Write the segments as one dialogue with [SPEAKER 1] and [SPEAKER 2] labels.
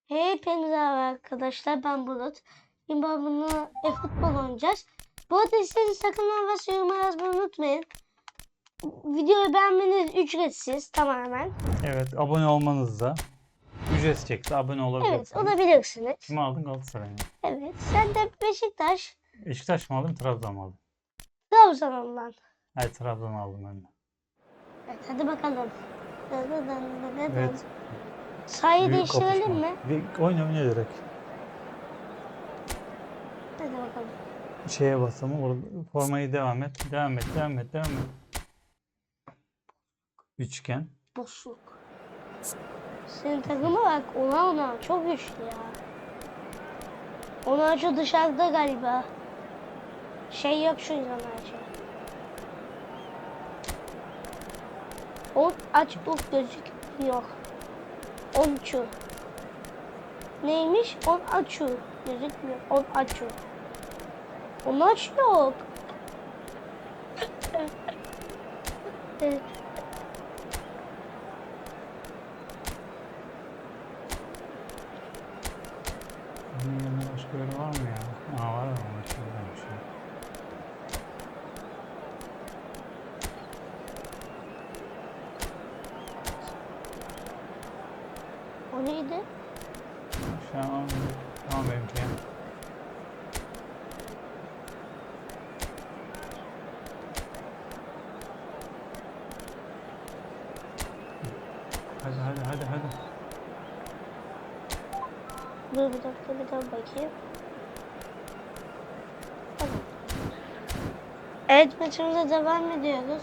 [SPEAKER 1] Hepinize merhaba arkadaşlar, ben Bulut. Şimdi bununla futbol oynayacağız. Bu arada isterseniz sakın ve yoruma yazmayı unutmayın. Videoyu beğenmeniz ücretsiz tamamen.
[SPEAKER 2] Evet, abone olmanız da ücretsiz çekti. Abone olabilirsiniz.
[SPEAKER 1] Evet, olabilirsiniz.
[SPEAKER 2] Kimi aldın? Galatasaray'ı.
[SPEAKER 1] Evet, sen de Beşiktaş,
[SPEAKER 2] Beşiktaş mı aldın, Trabzon mu aldın?
[SPEAKER 1] Trabzon'dan.
[SPEAKER 2] Evet, Trabzon aldım ben de.
[SPEAKER 1] Evet, hadi bakalım.
[SPEAKER 2] Evet.
[SPEAKER 1] Sayıyı
[SPEAKER 2] Büyük
[SPEAKER 1] değiştirelim
[SPEAKER 2] kapışma.
[SPEAKER 1] mi?
[SPEAKER 2] Bir oyna direkt.
[SPEAKER 1] Hadi bakalım.
[SPEAKER 2] Şeye basalım. Orada formayı devam et. Devam et. Üçgen.
[SPEAKER 1] Boşluk. Senin takıma bak, ona çok güçlü ya. Ona şu dışarıda galiba. Şey yok şu Onarcı. On aç uf gözükmüyor. Onçu. Neymiş? On açu. Gözükmüyor. On açu. On aç yok. Evet.
[SPEAKER 2] Bunun yanında başka biri var mı ya? Aa, var ama şuradaymış ya.
[SPEAKER 1] O neydi?
[SPEAKER 2] Şu an tamam benimki. Hadi.
[SPEAKER 1] Dur bir dakika bakayım. Tamam. Evet, maçımıza devam ediyoruz.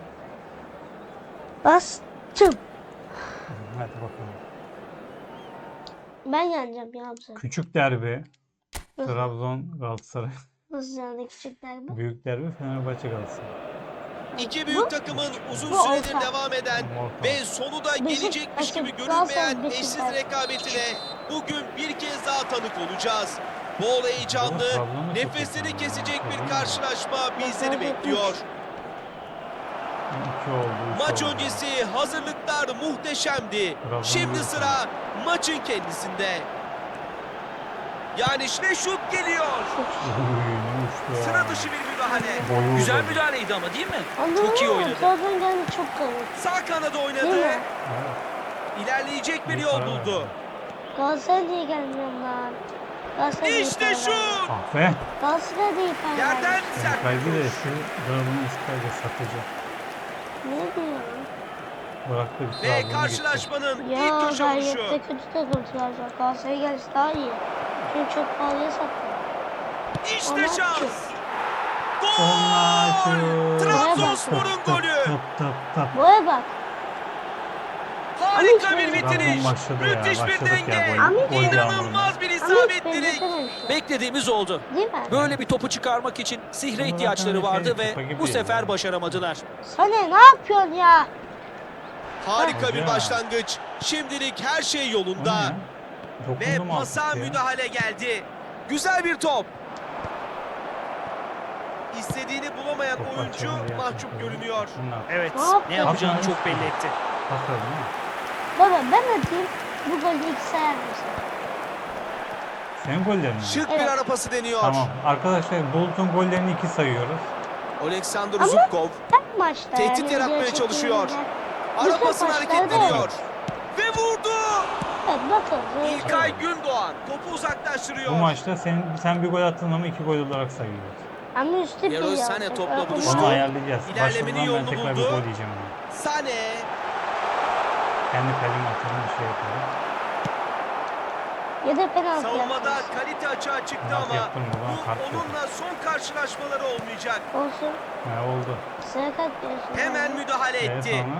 [SPEAKER 1] Bastım.
[SPEAKER 2] Hadi bakalım.
[SPEAKER 1] Ben yeneceğim ya bize.
[SPEAKER 2] Küçük derbi.
[SPEAKER 1] Nasıl?
[SPEAKER 2] Trabzon Galatasaray.
[SPEAKER 1] Nasıl yani küçükler bu?
[SPEAKER 2] Büyük derbi Fenerbahçe Galatasaray.
[SPEAKER 3] İki büyük takımın uzun
[SPEAKER 1] bu
[SPEAKER 3] süredir
[SPEAKER 1] orta.
[SPEAKER 3] devam eden
[SPEAKER 2] Orta.
[SPEAKER 3] ve sonu da gelecekmiş gibi görünmeyen eşsiz rekabetine bugün bir kez daha tanık olacağız. Bol heyecanlı,
[SPEAKER 2] Trabzon'da çok
[SPEAKER 3] nefesleri
[SPEAKER 2] iyi.
[SPEAKER 3] kesecek bir
[SPEAKER 2] Trabzon'da.
[SPEAKER 3] karşılaşma bizleri bekliyor.
[SPEAKER 2] 2 oldu.
[SPEAKER 3] Maç öncesi hazırlıklar muhteşemdi.
[SPEAKER 2] Trabzon
[SPEAKER 3] Şimdi
[SPEAKER 2] büyük
[SPEAKER 3] sıra maçın kendisinde. Yani işte şut geliyor. Sıra dışı bir müdahale.
[SPEAKER 4] Güzel müdahaleydi ama değil mi?
[SPEAKER 1] Anladın
[SPEAKER 4] Çok iyi
[SPEAKER 1] mı?
[SPEAKER 4] oynadı.
[SPEAKER 1] Trabzon geldi çok kalın.
[SPEAKER 3] Sağ kanada
[SPEAKER 1] Değil
[SPEAKER 3] oynadı.
[SPEAKER 1] mi?
[SPEAKER 3] İlerleyecek bir yol buldu.
[SPEAKER 1] Galatasaray diye gelmiyorum lan. Galatasaray değil
[SPEAKER 3] İşte
[SPEAKER 1] Fenerbahçe.
[SPEAKER 3] şut.
[SPEAKER 2] Ah be.
[SPEAKER 1] Galatasaray değil
[SPEAKER 3] Yerden
[SPEAKER 1] Fenerbahçe.
[SPEAKER 3] sert
[SPEAKER 2] Kaybı da
[SPEAKER 3] vuruş.
[SPEAKER 2] şu Trabzon'un isterce satıcı.
[SPEAKER 1] Ne diyorsun?
[SPEAKER 2] Bıraktı bir
[SPEAKER 3] Ve
[SPEAKER 2] Trabzon'a gitti.
[SPEAKER 3] karşılaşmanın ilk
[SPEAKER 1] Ya
[SPEAKER 3] köşe vuruşu.
[SPEAKER 1] gayrette kötü takım Trabzon. Galatasaray gelse daha iyi. Çünkü çok pahalıya sattı.
[SPEAKER 3] İşte
[SPEAKER 1] Ona
[SPEAKER 3] şans.
[SPEAKER 1] çok.
[SPEAKER 2] Onlarca.
[SPEAKER 3] Gol! Trabzonspor'un golü.
[SPEAKER 2] Tıp.
[SPEAKER 1] Buraya bak.
[SPEAKER 3] Harika bir
[SPEAKER 2] Trabzon
[SPEAKER 3] bitiriş.
[SPEAKER 2] başladı ya,
[SPEAKER 3] Müthiş bir
[SPEAKER 2] başladık ya
[SPEAKER 3] denge.
[SPEAKER 2] gol
[SPEAKER 3] İnanılmaz bir
[SPEAKER 1] Ama hiç
[SPEAKER 3] isabetlilik.
[SPEAKER 1] benzetememişler.
[SPEAKER 4] Beklediğimiz oldu.
[SPEAKER 1] Değil mi?
[SPEAKER 4] Böyle bir topu çıkarmak için sihre
[SPEAKER 2] Ama
[SPEAKER 4] ihtiyaçları
[SPEAKER 2] zaten
[SPEAKER 4] vardı
[SPEAKER 2] topa gibi
[SPEAKER 4] ve bu
[SPEAKER 2] değil
[SPEAKER 4] sefer
[SPEAKER 2] yani.
[SPEAKER 4] başaramadılar.
[SPEAKER 1] Sana ne yapıyorsun ya?
[SPEAKER 3] Harika bir
[SPEAKER 2] Hoca.
[SPEAKER 3] başlangıç. Şimdilik her şey yolunda. Ve pasa müdahale geldi. Güzel bir top. İstediğini bulamayan oyuncu mahcup görünüyor.
[SPEAKER 4] Evet,
[SPEAKER 1] Ne yaptı?
[SPEAKER 4] ne yapacağını
[SPEAKER 2] Yapma.
[SPEAKER 4] çok belli etti.
[SPEAKER 1] Baba ben atayım. Bu golü ilk sayar mısın?
[SPEAKER 2] Senin gollerin mi?
[SPEAKER 3] Şık bir
[SPEAKER 1] Evet.
[SPEAKER 3] ara pası deniyor.
[SPEAKER 2] Tamam. Arkadaşlar Bulut'un gollerini 2 sayıyoruz.
[SPEAKER 3] Oleksandr
[SPEAKER 1] Ama-
[SPEAKER 3] Zubkov
[SPEAKER 1] Tek maçta.
[SPEAKER 3] Tehdit
[SPEAKER 1] yani
[SPEAKER 3] yaratmaya
[SPEAKER 1] video
[SPEAKER 3] çalışıyor.
[SPEAKER 1] çektiğimde.
[SPEAKER 3] ara
[SPEAKER 1] Bütün
[SPEAKER 3] pasını
[SPEAKER 1] maçlarda
[SPEAKER 3] hareketleniyor. Ve vurdu.
[SPEAKER 1] Evet bakın.
[SPEAKER 3] İlkay Gündoğan topu
[SPEAKER 2] Bu
[SPEAKER 3] uzaklaştırıyor.
[SPEAKER 2] maçta sen bir gol attın ama 2 gol olarak sayıyoruz.
[SPEAKER 1] Ama üstte bir
[SPEAKER 3] Leroy
[SPEAKER 1] ya.
[SPEAKER 3] Sané topla buluştu.
[SPEAKER 2] Onu ayarlayacağız.
[SPEAKER 3] İlerlemenin
[SPEAKER 2] Başladıdan ben
[SPEAKER 3] yolunu
[SPEAKER 2] tekrar bir
[SPEAKER 3] buldu.
[SPEAKER 2] gol yiyeceğim onu.
[SPEAKER 3] Sané
[SPEAKER 2] Kendi kaleme atalım bir şey yapalım.
[SPEAKER 1] Ya da penaltı
[SPEAKER 3] savunmada
[SPEAKER 1] yapacağız.
[SPEAKER 3] kalite açığa çıktı
[SPEAKER 2] Penaltı
[SPEAKER 3] ama
[SPEAKER 2] yaptırma,
[SPEAKER 3] bu
[SPEAKER 2] bana kart yok.
[SPEAKER 3] onunla son karşılaşmaları olmayacak.
[SPEAKER 1] Olsun.
[SPEAKER 2] Ne oldu?
[SPEAKER 1] Sarı kart diyorsun.
[SPEAKER 3] Hemen müdahale etti.
[SPEAKER 2] Sonra?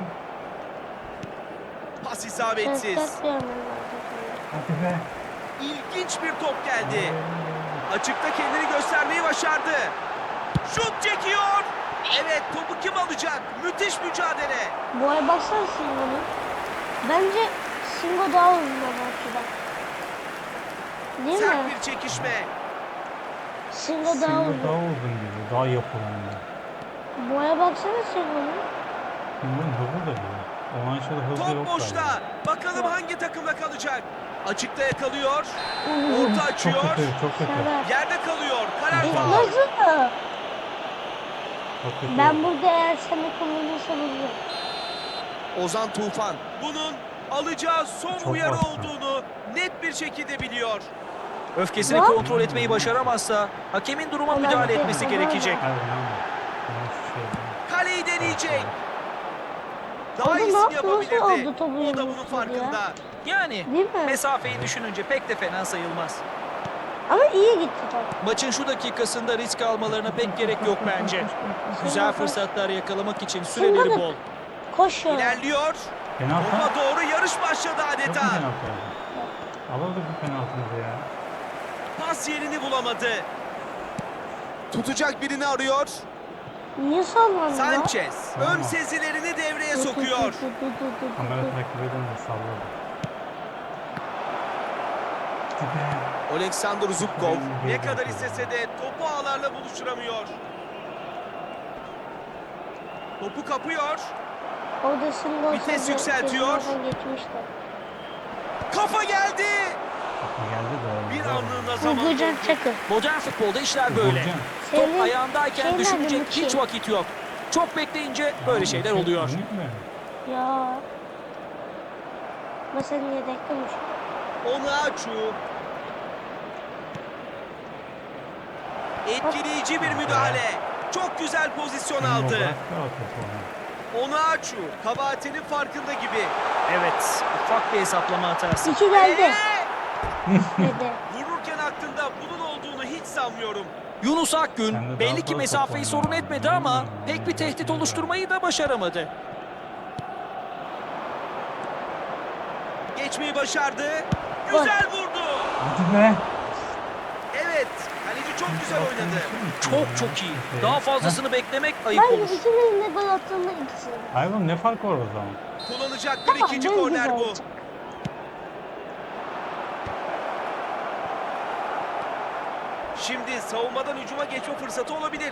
[SPEAKER 3] Pas
[SPEAKER 1] Sarı
[SPEAKER 3] isabetsiz.
[SPEAKER 1] kart görmem lazım.
[SPEAKER 2] Hadi be.
[SPEAKER 3] İlginç bir top geldi. Açıkta kendini göstermeyi başardı. Şut çekiyor. Evet, topu kim alacak? Müthiş mücadele.
[SPEAKER 1] Bu ay baksana Singo'nun. Bence Singo daha uzun maçta. Değil
[SPEAKER 3] Sert
[SPEAKER 1] mi?
[SPEAKER 3] bir çekişme.
[SPEAKER 1] Singo daha
[SPEAKER 2] Singo daha
[SPEAKER 1] uzun.
[SPEAKER 2] uzun gibi. Daha yapılanlı.
[SPEAKER 1] Bu aya baksana Singo'nun.
[SPEAKER 2] Singo'nun hızı da iyi. O maçta da hızı
[SPEAKER 3] Top
[SPEAKER 2] yok
[SPEAKER 3] boşta.
[SPEAKER 2] galiba.
[SPEAKER 3] Bakalım hangi takımda kalacak? Açıkta yakalıyor.
[SPEAKER 1] Oo.
[SPEAKER 3] Orta
[SPEAKER 2] Çok
[SPEAKER 3] açıyor.
[SPEAKER 2] kötü, çok kötü.
[SPEAKER 1] Şeref.
[SPEAKER 3] Yerde kalıyor. Karar
[SPEAKER 1] E,
[SPEAKER 3] faul.
[SPEAKER 1] nasıl?
[SPEAKER 2] Çok kötü.
[SPEAKER 1] Ben burada eğer seni kullanırsam olurum.
[SPEAKER 3] Ozan Tufan bunun alacağı son
[SPEAKER 2] Çok
[SPEAKER 3] uyarı
[SPEAKER 2] bastı.
[SPEAKER 3] olduğunu net bir şekilde biliyor.
[SPEAKER 4] Öfkesini
[SPEAKER 1] Lan.
[SPEAKER 4] kontrol etmeyi başaramazsa hakemin duruma
[SPEAKER 1] Ulan
[SPEAKER 4] müdahale
[SPEAKER 1] bir
[SPEAKER 4] etmesi
[SPEAKER 1] de-
[SPEAKER 4] gerekecek.
[SPEAKER 2] Hayır lan. Yanlış şey değil.
[SPEAKER 3] Kaleyi deneyecek. Daha
[SPEAKER 1] Orada ne
[SPEAKER 3] iyisini
[SPEAKER 1] yaptı? Nasıl
[SPEAKER 3] yapabilirdi.
[SPEAKER 1] oldu topu
[SPEAKER 3] O da bunun
[SPEAKER 1] yumrukladı
[SPEAKER 3] farkında.
[SPEAKER 1] ya?
[SPEAKER 4] Yani
[SPEAKER 1] Değil mi?
[SPEAKER 4] mesafeyi düşününce pek de fena sayılmaz.
[SPEAKER 1] Ama iyi gitti top.
[SPEAKER 4] Maçın şu dakikasında risk almalarına pek gerek yok bence. Güzel fırsatlar yakalamak için süreleri bol.
[SPEAKER 1] Koşuyor.
[SPEAKER 3] İlerliyor.
[SPEAKER 2] Penaltı.
[SPEAKER 3] Topa doğru yarış başladı
[SPEAKER 2] Yok mu
[SPEAKER 3] adeta.
[SPEAKER 2] penaltı oldu? Alırdık bu penaltımızı ya.
[SPEAKER 3] Pas yerini bulamadı. Tutacak birini arıyor.
[SPEAKER 1] Niye sallandı lan?
[SPEAKER 3] Sanchez ön
[SPEAKER 2] Tamam.
[SPEAKER 3] sezilerini devreye
[SPEAKER 1] Dur, dur,
[SPEAKER 3] sokuyor.
[SPEAKER 1] dur, dur, dur, dur,
[SPEAKER 2] Kamera
[SPEAKER 1] dur.
[SPEAKER 2] takip edince salladı. Hadi be.
[SPEAKER 3] Oleksandr Zubkov ne kadar istese de topu ağlarla buluşturamıyor. Topu kapıyor.
[SPEAKER 1] Orada single
[SPEAKER 3] Vites
[SPEAKER 1] olsaydı
[SPEAKER 3] yükseltiyor.
[SPEAKER 1] kesin oradan geçmişti.
[SPEAKER 3] Kafa geldi.
[SPEAKER 2] Kapı geldi de.
[SPEAKER 3] Bir anlığına zaman
[SPEAKER 1] Uğurcan
[SPEAKER 3] doldu.
[SPEAKER 1] Çakır.
[SPEAKER 4] Modern futbolda işler böyle.
[SPEAKER 2] Vuracağım.
[SPEAKER 4] Top
[SPEAKER 1] Senin
[SPEAKER 4] ayağındayken
[SPEAKER 1] şeyler
[SPEAKER 4] düşünecek
[SPEAKER 1] mi?
[SPEAKER 4] hiç vakit yok. Çok bekleyince böyle şeyler oluyor.
[SPEAKER 2] Minik mi?
[SPEAKER 1] Ya. Ama sen yedeklemiş.
[SPEAKER 3] Onaçu. Etkileyici bir müdahale. Çok güzel pozisyon
[SPEAKER 2] Şimdi o
[SPEAKER 3] aldı.
[SPEAKER 2] bıraktı o topu ona.
[SPEAKER 3] Onaçu kabahatinin farkında gibi.
[SPEAKER 4] Evet, ufak bir hesaplama hatası.
[SPEAKER 1] İki geldi. Dedi.
[SPEAKER 3] Vururken aklında bunun olduğunu hiç sanmıyorum.
[SPEAKER 4] Yunus
[SPEAKER 2] Sen de
[SPEAKER 4] Akgün
[SPEAKER 2] daha
[SPEAKER 4] belli ki
[SPEAKER 2] fazla
[SPEAKER 4] mesafeyi
[SPEAKER 2] top
[SPEAKER 4] sorun
[SPEAKER 2] oyna.
[SPEAKER 4] etmedi ama pek bir tehdit oluşturmayı da başaramadı.
[SPEAKER 3] Geçmeyi başardı. Güzel vurdu.
[SPEAKER 2] Hadi be.
[SPEAKER 3] Evet. Kaleci çok güzel oynadı.
[SPEAKER 4] Çok iyi. Daha fazlasını beklemek ayıp
[SPEAKER 1] Ben
[SPEAKER 4] olur.
[SPEAKER 1] ikisinin de gol attığında ikisini.
[SPEAKER 2] Hayvan ne fark var o zaman?
[SPEAKER 3] Kullanacakları
[SPEAKER 1] Tamam,
[SPEAKER 3] ikinci
[SPEAKER 1] ben
[SPEAKER 3] korner
[SPEAKER 1] güzel
[SPEAKER 3] bu.
[SPEAKER 1] olacak.
[SPEAKER 3] Şimdi savunmadan hücuma geçme fırsatı olabilir.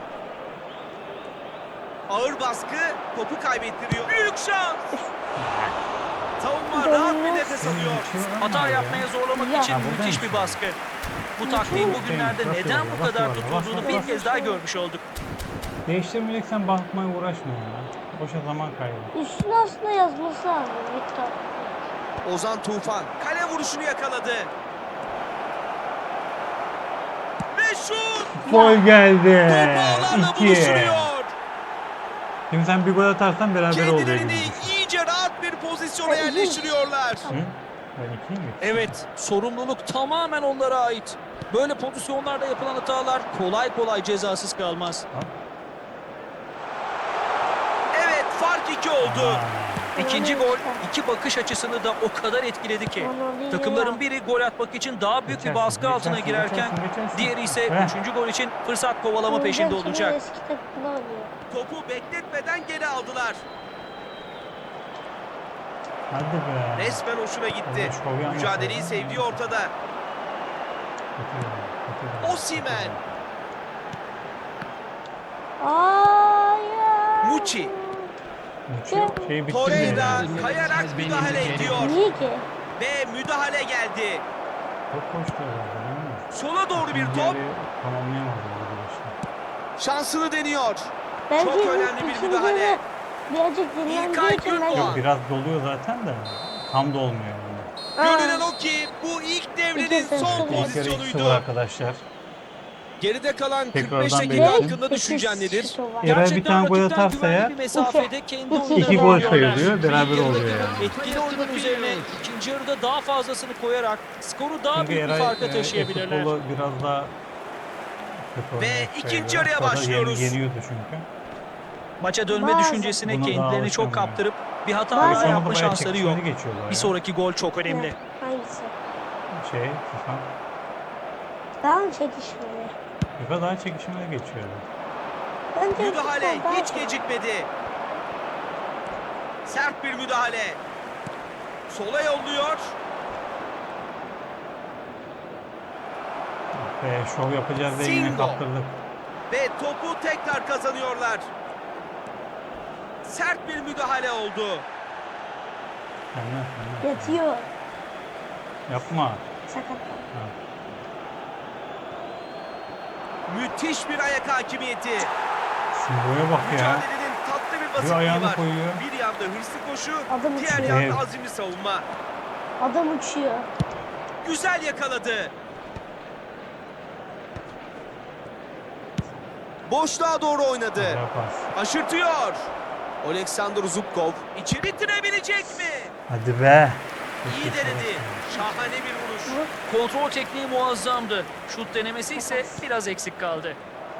[SPEAKER 3] Ağır baskı topu kaybettiriyor. Büyük şans. Savunma rahat bir nefes alıyor.
[SPEAKER 4] Hata yapmaya zorlamak
[SPEAKER 1] Ya.
[SPEAKER 4] için
[SPEAKER 2] Ha, burada
[SPEAKER 4] müthiş bir
[SPEAKER 2] mısın?
[SPEAKER 4] baskı. Bu taktiğin bugünlerde
[SPEAKER 2] Bak
[SPEAKER 4] neden
[SPEAKER 2] orada,
[SPEAKER 4] bu
[SPEAKER 2] bak
[SPEAKER 4] kadar
[SPEAKER 2] orada,
[SPEAKER 4] tutulduğunu
[SPEAKER 2] bak
[SPEAKER 4] bir
[SPEAKER 2] orada.
[SPEAKER 4] kez daha görmüş olduk.
[SPEAKER 2] Değiştirmeyeceksen bakmaya uğraşma ya. Boşa zaman kaybı.
[SPEAKER 1] Üstüne aslında yazması lazım Victor.
[SPEAKER 3] Ozan Tufan kale vuruşunu yakaladı. Ve şut.
[SPEAKER 2] Gol geldi.
[SPEAKER 3] Top ağlarla
[SPEAKER 2] 2.
[SPEAKER 3] buluşturuyor.
[SPEAKER 2] Şimdi sen bir gol atarsan beraber oluyor
[SPEAKER 3] Kendilerini
[SPEAKER 2] gibi.
[SPEAKER 3] iyice rahat bir pozisyona
[SPEAKER 1] Evet.
[SPEAKER 3] yerleştiriyorlar.
[SPEAKER 2] Hı? Ben 2'yim mi?
[SPEAKER 4] Evet, sorumluluk tamamen onlara ait. Böyle pozisyonlarda yapılan hatalar kolay kolay cezasız kalmaz.
[SPEAKER 3] Evet fark 2 oldu.
[SPEAKER 4] İkinci gol iki bakış açısını da o kadar etkiledi ki.
[SPEAKER 1] Ronaldinho.
[SPEAKER 4] Takımların biri gol atmak için daha büyük bir baskı altına girerken diğeri ise
[SPEAKER 2] Heh.
[SPEAKER 4] üçüncü gol için fırsat kovalama
[SPEAKER 1] Uğurcan
[SPEAKER 4] peşinde
[SPEAKER 1] Çakır
[SPEAKER 4] olacak.
[SPEAKER 1] Eski takımda oynuyor.
[SPEAKER 3] Topu bekletmeden geri aldılar.
[SPEAKER 2] Hadi be.
[SPEAKER 3] Resmen hoşuna gitti.
[SPEAKER 2] Evet, şov yapmasın.
[SPEAKER 3] Mücadeleyi sevdiği ortada.
[SPEAKER 2] Kötü.
[SPEAKER 3] Osimhen.
[SPEAKER 1] Hayır.
[SPEAKER 3] Muçi.
[SPEAKER 2] Şey bitti
[SPEAKER 3] Torreira
[SPEAKER 2] mi?
[SPEAKER 3] kayarak müdahale ediyor.
[SPEAKER 1] Niye ki?
[SPEAKER 3] Ve müdahale geldi.
[SPEAKER 2] Çok koştu herhalde değil mi?
[SPEAKER 3] Sola doğru bir top.
[SPEAKER 2] Diğeri tamamlayamadı arkadaşlar.
[SPEAKER 3] Şansını deniyor.
[SPEAKER 1] Belki
[SPEAKER 3] Çok önemli bir
[SPEAKER 1] ikinci
[SPEAKER 3] müdahale.
[SPEAKER 1] yarı Birazcık dinlendiği
[SPEAKER 3] İlkay
[SPEAKER 1] için
[SPEAKER 3] Gündoğan.
[SPEAKER 1] belki.
[SPEAKER 2] Yok biraz doluyor zaten de tam da olmuyor yani.
[SPEAKER 3] Görünen o ki bu ilk devrenin
[SPEAKER 1] İkisi
[SPEAKER 3] son
[SPEAKER 1] de-
[SPEAKER 2] İlk yarı 2-0
[SPEAKER 3] pozisyonuydu.
[SPEAKER 2] arkadaşlar.
[SPEAKER 3] Geride kalan 45
[SPEAKER 2] Tekrardan
[SPEAKER 3] dakika
[SPEAKER 2] belirteyim.
[SPEAKER 3] hakkında düşüncen nedir?
[SPEAKER 2] Eğer bir tane gol
[SPEAKER 4] rakipten
[SPEAKER 2] atarsa
[SPEAKER 4] güvenli
[SPEAKER 2] ya,
[SPEAKER 4] bir mesafede kendi
[SPEAKER 1] iki
[SPEAKER 4] oyunlarını
[SPEAKER 2] İki gol
[SPEAKER 4] oynuyorlar.
[SPEAKER 2] sayılıyor, beraber
[SPEAKER 4] İlk
[SPEAKER 2] oluyor
[SPEAKER 4] yarıdaki
[SPEAKER 2] yani.
[SPEAKER 4] Etkili oyunun üzerine ikinci yarıda daha fazlasını koyarak skoru daha
[SPEAKER 2] Çünkü
[SPEAKER 4] büyük bir
[SPEAKER 2] Eray
[SPEAKER 4] farka taşıyabilirler.
[SPEAKER 2] futbolu biraz daha kötü
[SPEAKER 3] Ve
[SPEAKER 2] oynayan
[SPEAKER 3] ikinci
[SPEAKER 2] şeyler.
[SPEAKER 3] yarıya
[SPEAKER 2] Sonra
[SPEAKER 3] başlıyoruz.
[SPEAKER 2] Yeniyordu çünkü.
[SPEAKER 4] Maça dönme
[SPEAKER 1] Bazen.
[SPEAKER 4] düşüncesine
[SPEAKER 2] Buna daha
[SPEAKER 4] kendilerini çok
[SPEAKER 2] alışamıyor.
[SPEAKER 4] kaptırıp bir hata
[SPEAKER 1] Bazen.
[SPEAKER 4] daha
[SPEAKER 2] Sonra
[SPEAKER 4] yapma
[SPEAKER 2] bayağı
[SPEAKER 4] şansları yok.
[SPEAKER 2] çekişmeli geçiyorlar
[SPEAKER 4] Bir
[SPEAKER 2] ya.
[SPEAKER 4] sonraki gol çok önemli.
[SPEAKER 1] Hangisi?
[SPEAKER 2] FIFA.
[SPEAKER 1] Daha mı çekişmeli?
[SPEAKER 2] FIFA daha çekişmeli geçiyor.
[SPEAKER 1] Bence
[SPEAKER 3] Müdahale
[SPEAKER 1] futbol daha
[SPEAKER 3] hiç
[SPEAKER 1] çok.
[SPEAKER 3] gecikmedi. Sert bir müdahale. Sola yolluyor.
[SPEAKER 2] Ve şov yapacağız diye yine
[SPEAKER 3] Singo.
[SPEAKER 2] kaptırdık.
[SPEAKER 3] Ve topu tekrar kazanıyorlar. Sert bir müdahale oldu.
[SPEAKER 2] Senden.
[SPEAKER 1] Yatıyor.
[SPEAKER 2] Yapma.
[SPEAKER 1] Sakatlan.
[SPEAKER 2] Ha.
[SPEAKER 3] Müthiş bir ayak hakimiyeti.
[SPEAKER 2] Simbo'ya bak ya.
[SPEAKER 3] Mücadelenin tatlı bir
[SPEAKER 2] Bir
[SPEAKER 3] basitliği
[SPEAKER 2] ayağını
[SPEAKER 3] var.
[SPEAKER 2] koyuyor.
[SPEAKER 3] Bir yanda hırslı koşu,
[SPEAKER 1] Adam
[SPEAKER 3] diğer
[SPEAKER 1] uçuyor.
[SPEAKER 3] yanda
[SPEAKER 2] Evet.
[SPEAKER 3] azimli savunma.
[SPEAKER 1] Adam uçuyor.
[SPEAKER 3] Güzel yakaladı. Boşluğa doğru oynadı.
[SPEAKER 2] Güzel pas.
[SPEAKER 3] Aşırtıyor. Oleksandr Zubkov içi bitirebilecek mi?
[SPEAKER 2] Hadi be.
[SPEAKER 3] İyi denedi. Şahane bir vuruş.
[SPEAKER 4] Kontrol tekniği muazzamdı. Şut denemesi ise biraz eksik kaldı.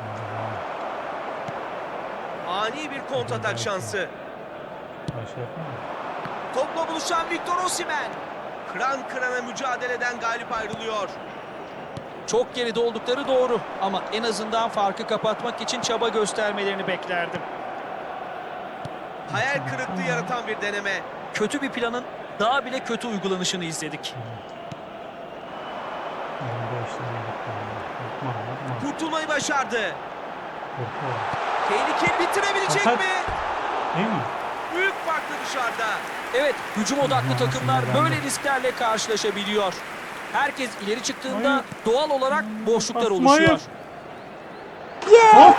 [SPEAKER 3] Ani bir kontratak şansı.
[SPEAKER 2] Başka yapma.
[SPEAKER 3] Topla buluşan Victor Osimhen. Kıran kırana mücadeleden galip ayrılıyor.
[SPEAKER 4] Çok geride oldukları doğru ama en azından farkı kapatmak için çaba göstermelerini beklerdim.
[SPEAKER 3] Hayal kırıklığı yaratan bir deneme.
[SPEAKER 4] Kötü bir planın daha bile kötü uygulanışını izledik.
[SPEAKER 2] Elimde işlerine gitti. Yapma yapma.
[SPEAKER 3] Kurtulmayı başardı.
[SPEAKER 2] Korkuyorum.
[SPEAKER 3] Tehlikeli bitirebilecek
[SPEAKER 2] Fakat-
[SPEAKER 3] mi?
[SPEAKER 2] Değil mi?
[SPEAKER 3] Büyük farklı dışarıda.
[SPEAKER 4] Evet, hücum odaklı
[SPEAKER 2] Yanlış
[SPEAKER 4] takımlar
[SPEAKER 2] sinirlendim.
[SPEAKER 4] böyle risklerle karşılaşabiliyor. Herkes ileri çıktığında
[SPEAKER 2] Hayır.
[SPEAKER 4] doğal olarak boşluklar
[SPEAKER 2] Basma,
[SPEAKER 4] oluşuyor.
[SPEAKER 1] Yeah.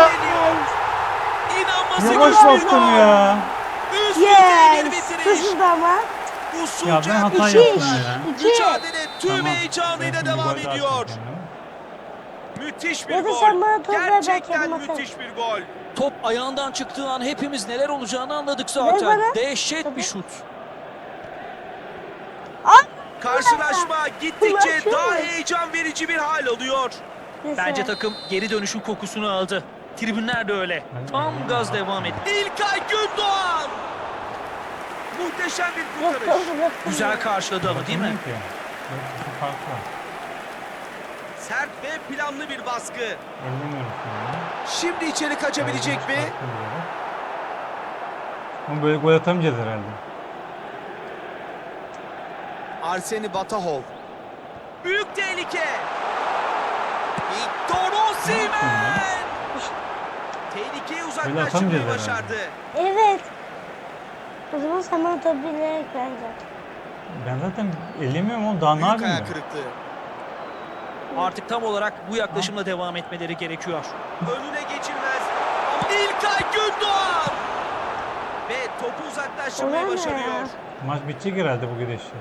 [SPEAKER 3] İnanması
[SPEAKER 2] Yavaş
[SPEAKER 3] güç bir
[SPEAKER 2] bastım
[SPEAKER 3] gol.
[SPEAKER 2] ya.
[SPEAKER 3] Üst düzey bir
[SPEAKER 1] Yes.
[SPEAKER 3] bitiriş.
[SPEAKER 1] Kızıldı ama.
[SPEAKER 2] Ya
[SPEAKER 3] Usulca
[SPEAKER 2] ben hata
[SPEAKER 1] İki
[SPEAKER 2] yaptım
[SPEAKER 1] iş.
[SPEAKER 2] ya.
[SPEAKER 1] İki.
[SPEAKER 3] mücadele tüm
[SPEAKER 2] Tamam.
[SPEAKER 3] heyecanıyla
[SPEAKER 2] Ben şimdi
[SPEAKER 3] devam
[SPEAKER 2] gol daha
[SPEAKER 3] ediyor.
[SPEAKER 2] atacağım kendime.
[SPEAKER 3] Müthiş bir
[SPEAKER 1] Ya da
[SPEAKER 3] gol.
[SPEAKER 1] sen bana top ver, ben
[SPEAKER 3] Gerçekten
[SPEAKER 1] kendim atarım.
[SPEAKER 3] müthiş bir gol.
[SPEAKER 4] Top ayağından çıktığı an hepimiz neler olacağını anladık
[SPEAKER 1] Ver
[SPEAKER 4] zaten.
[SPEAKER 1] bana.
[SPEAKER 4] Dehşet
[SPEAKER 1] Tabii.
[SPEAKER 4] bir şut.
[SPEAKER 3] Karşılaşma gittikçe
[SPEAKER 1] Ulaşıyor.
[SPEAKER 3] daha heyecan verici bir hal alıyor.
[SPEAKER 1] Neyse.
[SPEAKER 4] Bence takım geri dönüşün kokusunu aldı. Tribünler de öyle. Tam gaz devam etti.
[SPEAKER 3] İlkay Gündoğan. Muhteşem bir
[SPEAKER 1] Yok,
[SPEAKER 3] kurtarış.
[SPEAKER 1] yok, yok.
[SPEAKER 4] Güzel karşıladı ama değil mi?
[SPEAKER 2] Bakmıyorum ki. Yok, bir fark var.
[SPEAKER 3] Sert ve planlı bir baskı.
[SPEAKER 2] Ellemiyorum şimdi.
[SPEAKER 3] Şimdi içeri kaçabilecek mi?
[SPEAKER 2] Farklı bir yere. Ama böyle gol atamayacağız herhalde.
[SPEAKER 3] Arseni Batahov. Büyük tehlike. Victor
[SPEAKER 2] Ne yaptın
[SPEAKER 3] Osimhen. Tehlikeyi uzaklaştırmayı
[SPEAKER 2] atamayacağız
[SPEAKER 3] başardı.
[SPEAKER 1] Evet. O zaman sen bana top bilerek bence.
[SPEAKER 2] Ben zaten ellemiyorum oğlum. Daha ne
[SPEAKER 3] Büyük
[SPEAKER 2] yapayım
[SPEAKER 3] ayak
[SPEAKER 2] ben?
[SPEAKER 3] kırıklığı.
[SPEAKER 4] Artık tam olarak bu yaklaşımla devam etmeleri gerekiyor.
[SPEAKER 3] Önüne geçilmez. Ama İlkay Gündoğan. Ve topu uzaklaştırmayı
[SPEAKER 1] Ulan ne
[SPEAKER 3] başarıyor.
[SPEAKER 1] ya?
[SPEAKER 2] Maç bitecek herhalde bu gidişle.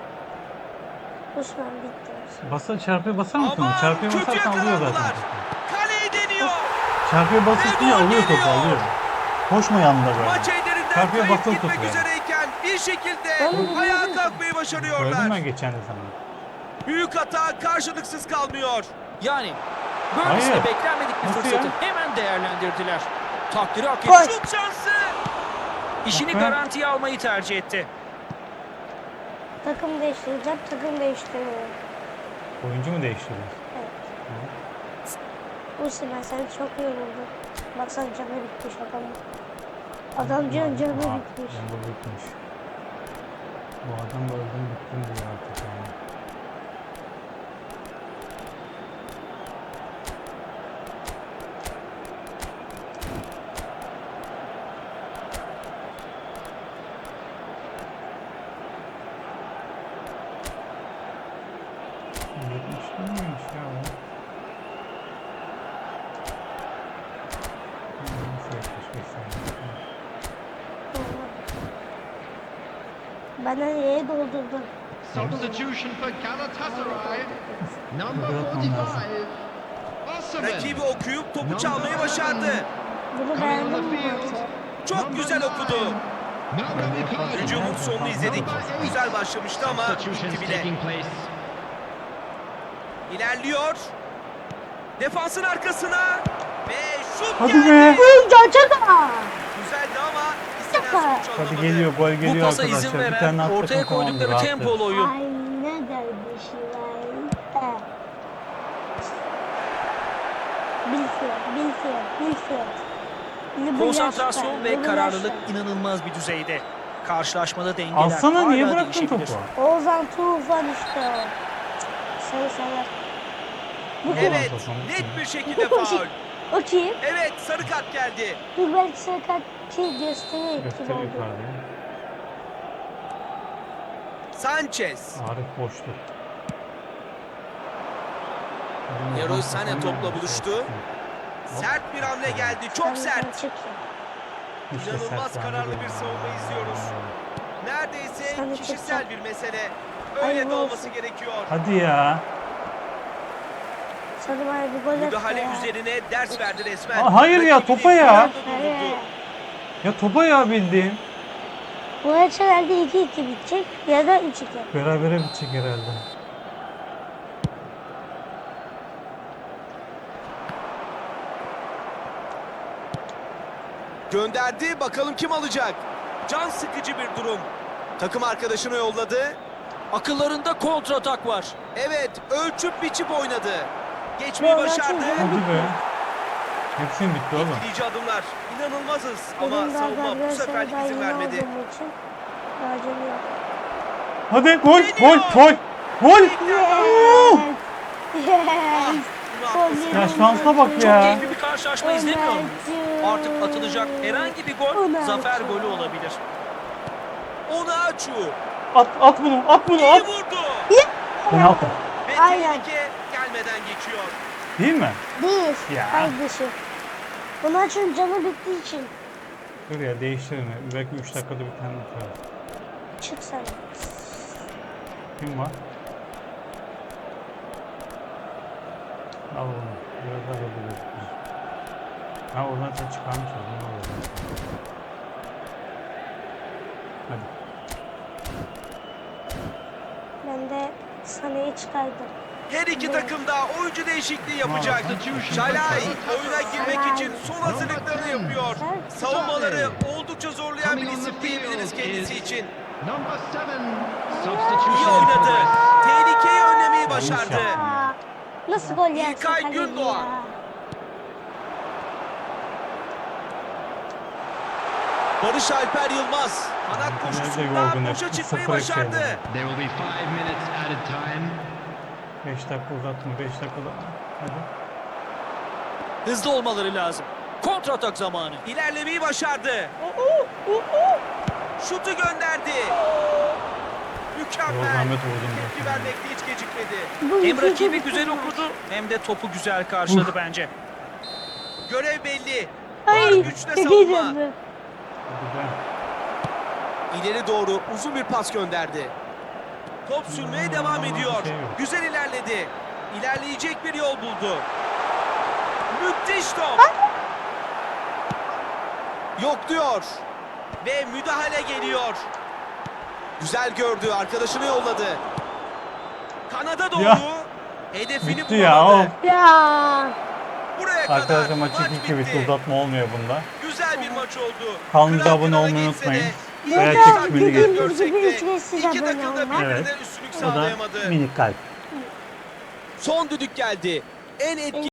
[SPEAKER 1] Osman bitti.
[SPEAKER 2] Basa çarpıya basar mısın?
[SPEAKER 3] Aman,
[SPEAKER 2] Çarpıya
[SPEAKER 3] kötü
[SPEAKER 2] basarsan alıyor zaten.
[SPEAKER 3] yakalandılar. Kaleyi deniyor.
[SPEAKER 2] Çarpıya basınca
[SPEAKER 3] Ve gol
[SPEAKER 2] alıyor topu
[SPEAKER 3] geliyor.
[SPEAKER 2] alıyor. Koşma yanında böyle.
[SPEAKER 3] Maç ellerinden
[SPEAKER 2] Çarpıya
[SPEAKER 3] kayıp
[SPEAKER 2] basılı
[SPEAKER 3] gitmek
[SPEAKER 2] tut yani.
[SPEAKER 3] üzereyken bir şekilde
[SPEAKER 1] Oğlum,
[SPEAKER 3] ayağa
[SPEAKER 1] biliyorum.
[SPEAKER 3] kalkmayı
[SPEAKER 2] Gördün
[SPEAKER 3] başarıyorlar.
[SPEAKER 2] mü geçen de sana?
[SPEAKER 3] Büyük hata karşılıksız kalmıyor.
[SPEAKER 4] Yani böylesine
[SPEAKER 2] Hayır.
[SPEAKER 4] beklenmedik bir
[SPEAKER 2] Nasıl
[SPEAKER 4] fırsatı
[SPEAKER 2] ya?
[SPEAKER 4] hemen değerlendirdiler. Takdiri hak
[SPEAKER 1] Gol.
[SPEAKER 4] etti.
[SPEAKER 3] Şut şansı.
[SPEAKER 4] İşini
[SPEAKER 2] Bak be.
[SPEAKER 4] garantiye almayı tercih etti.
[SPEAKER 1] Takım değiştireceğim. Takım değiştiriyorum.
[SPEAKER 2] Oyuncu mu değiştiriyor?
[SPEAKER 1] Osman sen çok yoruldun. Baksana canı bitmiş adamın. Adamcağın canı bitmiş.
[SPEAKER 2] Canı bitmiş. Bu adam da öldüm bittim diyor artık yani. Yetmiş miymiş ya bu? Nasıl 75 saniye?
[SPEAKER 1] Bana neye doldurdun?
[SPEAKER 5] Substitution for Galatasaray. Number
[SPEAKER 2] Bırakmam
[SPEAKER 5] 45.
[SPEAKER 2] lazım.
[SPEAKER 5] Osimhen.
[SPEAKER 3] Rakibi okuyup topu çalmayı başardı.
[SPEAKER 1] Bunu
[SPEAKER 5] Coming on
[SPEAKER 1] beğendim
[SPEAKER 5] the
[SPEAKER 1] mi
[SPEAKER 5] field.
[SPEAKER 1] maçı?
[SPEAKER 3] Çok güzel okudu. Hücumun sonunu izledik. Güzel başlamıştı ama
[SPEAKER 5] Substitutions
[SPEAKER 3] bitti bile.
[SPEAKER 5] taking place.
[SPEAKER 3] İlerliyor. Defansın arkasına. Ve şut
[SPEAKER 2] Hadi
[SPEAKER 3] geldi.
[SPEAKER 2] be.
[SPEAKER 1] Çaka!
[SPEAKER 3] Güzeldi ama istenen
[SPEAKER 1] Çaka.
[SPEAKER 3] sonuç
[SPEAKER 2] Hadi
[SPEAKER 3] alınamadı.
[SPEAKER 2] geliyor gol
[SPEAKER 4] Bu
[SPEAKER 2] geliyor
[SPEAKER 4] pasa izin
[SPEAKER 2] arkadaşlar. Bir
[SPEAKER 4] veren,
[SPEAKER 2] tane attık
[SPEAKER 4] ortaya
[SPEAKER 2] mı tamamdır,
[SPEAKER 4] koydukları
[SPEAKER 2] rahatız.
[SPEAKER 4] tempolu oyun.
[SPEAKER 1] Ay ne kardeşim ay. Bilfiyor.
[SPEAKER 4] Konsantrasyon ve kararlılık inanılmaz bir düzeyde. Karşılaşmada dengeler
[SPEAKER 2] Alsana
[SPEAKER 4] hala
[SPEAKER 2] niye bıraktın
[SPEAKER 4] değişebilir.
[SPEAKER 2] topu?
[SPEAKER 1] Oğuzhan Tufan işte o. Sarı sarı. Bu kim?
[SPEAKER 3] Evet, net bir şekilde faul.
[SPEAKER 1] O kim?
[SPEAKER 3] Evet, sarı kart geldi.
[SPEAKER 1] Dur belki sarı kart ki gösteriyor kim
[SPEAKER 2] Göster
[SPEAKER 1] oldu.
[SPEAKER 2] yukarıda.
[SPEAKER 3] Sanchez.
[SPEAKER 2] Arif boştu.
[SPEAKER 3] Leroy Sané topla buluştu. Sert bir hamle geldi. Çok sert.
[SPEAKER 1] Çık ya.
[SPEAKER 2] Hiç de
[SPEAKER 3] İnanılmaz
[SPEAKER 2] sert
[SPEAKER 3] kararlı
[SPEAKER 2] bence
[SPEAKER 3] bir
[SPEAKER 2] değil.
[SPEAKER 3] savunma izliyoruz. Neredeyse
[SPEAKER 1] Sana
[SPEAKER 3] kişisel
[SPEAKER 1] çıkacak.
[SPEAKER 3] bir mesele.
[SPEAKER 1] Hayırlı
[SPEAKER 3] Öyle de olması
[SPEAKER 1] olsun.
[SPEAKER 3] gerekiyor.
[SPEAKER 2] Hadi ya.
[SPEAKER 1] Sana bana bir gol attı
[SPEAKER 3] Müdahale
[SPEAKER 1] ya.
[SPEAKER 3] üzerine ders verdi resmen.
[SPEAKER 2] Aa, hayır ya,
[SPEAKER 3] Rakibini
[SPEAKER 2] topa ya.
[SPEAKER 3] kararlı durdurdu.
[SPEAKER 1] Evet.
[SPEAKER 2] Ya topa ya bildiğin.
[SPEAKER 1] Bu maç herhalde 2-2 bitecek ya da 3-2.
[SPEAKER 2] Berabere bitecek herhalde.
[SPEAKER 3] Gönderdi. Bakalım kim alacak? Can sıkıcı bir durum. Takım arkadaşını yolladı.
[SPEAKER 4] Akıllarında kontratak var.
[SPEAKER 3] Evet, ölçüp biçip oynadı. Geçmeyi başardı.
[SPEAKER 2] Hadi be. Hepsi mi bitti oğlum?
[SPEAKER 3] Etkileyici adımlar. İnanılmazız ama
[SPEAKER 1] Benim daha
[SPEAKER 3] savunma bu
[SPEAKER 1] Galatasaray'da
[SPEAKER 3] seferlik izin
[SPEAKER 1] yeni
[SPEAKER 3] vermedi.
[SPEAKER 1] olduğum için acele yok.
[SPEAKER 2] Hadi gol,
[SPEAKER 3] Geliyor.
[SPEAKER 2] gol, gol, gol.
[SPEAKER 1] Yes.
[SPEAKER 3] Haklısın.
[SPEAKER 2] Ya şansa bak
[SPEAKER 4] Çok
[SPEAKER 2] ya.
[SPEAKER 4] keyifli bir karşılaşma izlemiyor muyuz? Artık atılacak herhangi bir gol
[SPEAKER 1] Ömerciğim.
[SPEAKER 4] zafer golü olabilir.
[SPEAKER 3] Onaçu
[SPEAKER 2] At bunu, at bunu,
[SPEAKER 3] iyi
[SPEAKER 2] at.
[SPEAKER 3] vurdu.
[SPEAKER 2] Penaltı.
[SPEAKER 3] Ve
[SPEAKER 1] Aynen.
[SPEAKER 3] tehlike gelmeden geçiyor.
[SPEAKER 2] Değil mi?
[SPEAKER 1] Değil
[SPEAKER 2] Ya.
[SPEAKER 1] kardeşim. Bunu açın canı bittiği için.
[SPEAKER 2] Dur ya, değiştirin. Belki 3 dakikada bir tane atar.
[SPEAKER 1] Çık sen.
[SPEAKER 2] Kim var? Al onu. Biraz daha hızlı gözüküyor. Ha, oradan sen çıkarmış oldun. Hadi.
[SPEAKER 1] Ben de Sané'yi çıkardım.
[SPEAKER 3] Her iki takım da oyuncu değişikliği yapacak.
[SPEAKER 5] Substitution for
[SPEAKER 3] Şalay
[SPEAKER 5] Galatasaray.
[SPEAKER 3] oyuna girmek için son hazırlıklarını yapıyor. Savunmaları oldukça zorlayan bir
[SPEAKER 5] Coming on
[SPEAKER 3] isim
[SPEAKER 5] the
[SPEAKER 3] diyebiliriz
[SPEAKER 5] field
[SPEAKER 3] kendisi
[SPEAKER 5] is
[SPEAKER 3] için.
[SPEAKER 5] Number 7.
[SPEAKER 3] İyi
[SPEAKER 5] Substitution in
[SPEAKER 3] oynadı.
[SPEAKER 5] progress.
[SPEAKER 3] Tehlikeyi önlemeyi
[SPEAKER 2] Yanlış
[SPEAKER 3] başardı.
[SPEAKER 2] yaptı.
[SPEAKER 1] Aa, nasıl gol yersin
[SPEAKER 3] İlkay
[SPEAKER 1] kaleci
[SPEAKER 3] Gündoğan.
[SPEAKER 1] ya?
[SPEAKER 3] Barış Alper Yılmaz kanat
[SPEAKER 2] Nerede
[SPEAKER 3] koşusunda
[SPEAKER 2] yorgun hep?
[SPEAKER 3] boşa çıkmayı
[SPEAKER 2] 0-2
[SPEAKER 3] başardı.
[SPEAKER 2] yani.
[SPEAKER 5] There will be 5 minutes added time.
[SPEAKER 2] 5 dakika uzatma, 5 dakika uzatma. Hadi.
[SPEAKER 4] Hızlı olmaları lazım. Kontratak zamanı.
[SPEAKER 3] İlerlemeyi başardı. Şutu gönderdi. Mükemmel.
[SPEAKER 2] Zahmet vurdum
[SPEAKER 3] Tepki
[SPEAKER 2] zaten.
[SPEAKER 3] vermekte hiç gecikmedi.
[SPEAKER 1] Bu
[SPEAKER 4] Hem
[SPEAKER 1] iki
[SPEAKER 4] rakibi
[SPEAKER 1] iki
[SPEAKER 4] güzel
[SPEAKER 1] maç.
[SPEAKER 4] okudu hem de topu güzel karşıladı bence.
[SPEAKER 3] Görev belli. Var
[SPEAKER 1] Ay,
[SPEAKER 3] güçle
[SPEAKER 1] çok
[SPEAKER 3] savunma.
[SPEAKER 1] heyecanlı.
[SPEAKER 2] Hadi be.
[SPEAKER 3] İleri doğru uzun bir pas gönderdi. Top sürmeye devam ediyor.
[SPEAKER 2] Bir şey yok.
[SPEAKER 3] Güzel ilerledi. İlerleyecek bir yol buldu. Müthiş top. Yok diyor. Ve müdahale geliyor. Güzel gördü. Arkadaşını yolladı. Kanada doğru.
[SPEAKER 2] Ya.
[SPEAKER 3] Hedefini
[SPEAKER 2] Bitti ya.
[SPEAKER 3] bulamadı.
[SPEAKER 2] Of.
[SPEAKER 1] Ya.
[SPEAKER 3] Buraya kadar
[SPEAKER 2] Arkadaşlar maç
[SPEAKER 3] maç
[SPEAKER 2] 2-2 bitti. Uzatma olmuyor bunda.
[SPEAKER 3] Güzel bir maç oldu.
[SPEAKER 2] Kanalımıza
[SPEAKER 3] Kıran
[SPEAKER 2] abone
[SPEAKER 3] kırana
[SPEAKER 2] olmayı
[SPEAKER 3] geçse de
[SPEAKER 2] unutmayın.
[SPEAKER 3] iyi
[SPEAKER 2] Veya
[SPEAKER 3] bir
[SPEAKER 2] çekimini
[SPEAKER 3] mücadele
[SPEAKER 2] geçin.
[SPEAKER 3] görsek de
[SPEAKER 1] Ücretsiz
[SPEAKER 3] iki
[SPEAKER 1] abone
[SPEAKER 3] takım da
[SPEAKER 1] olmak.
[SPEAKER 3] birbirine
[SPEAKER 2] Evet.
[SPEAKER 3] üstünlük
[SPEAKER 2] O da
[SPEAKER 3] sağlayamadı.
[SPEAKER 2] minik kalp.
[SPEAKER 3] Son düdük geldi. En etkili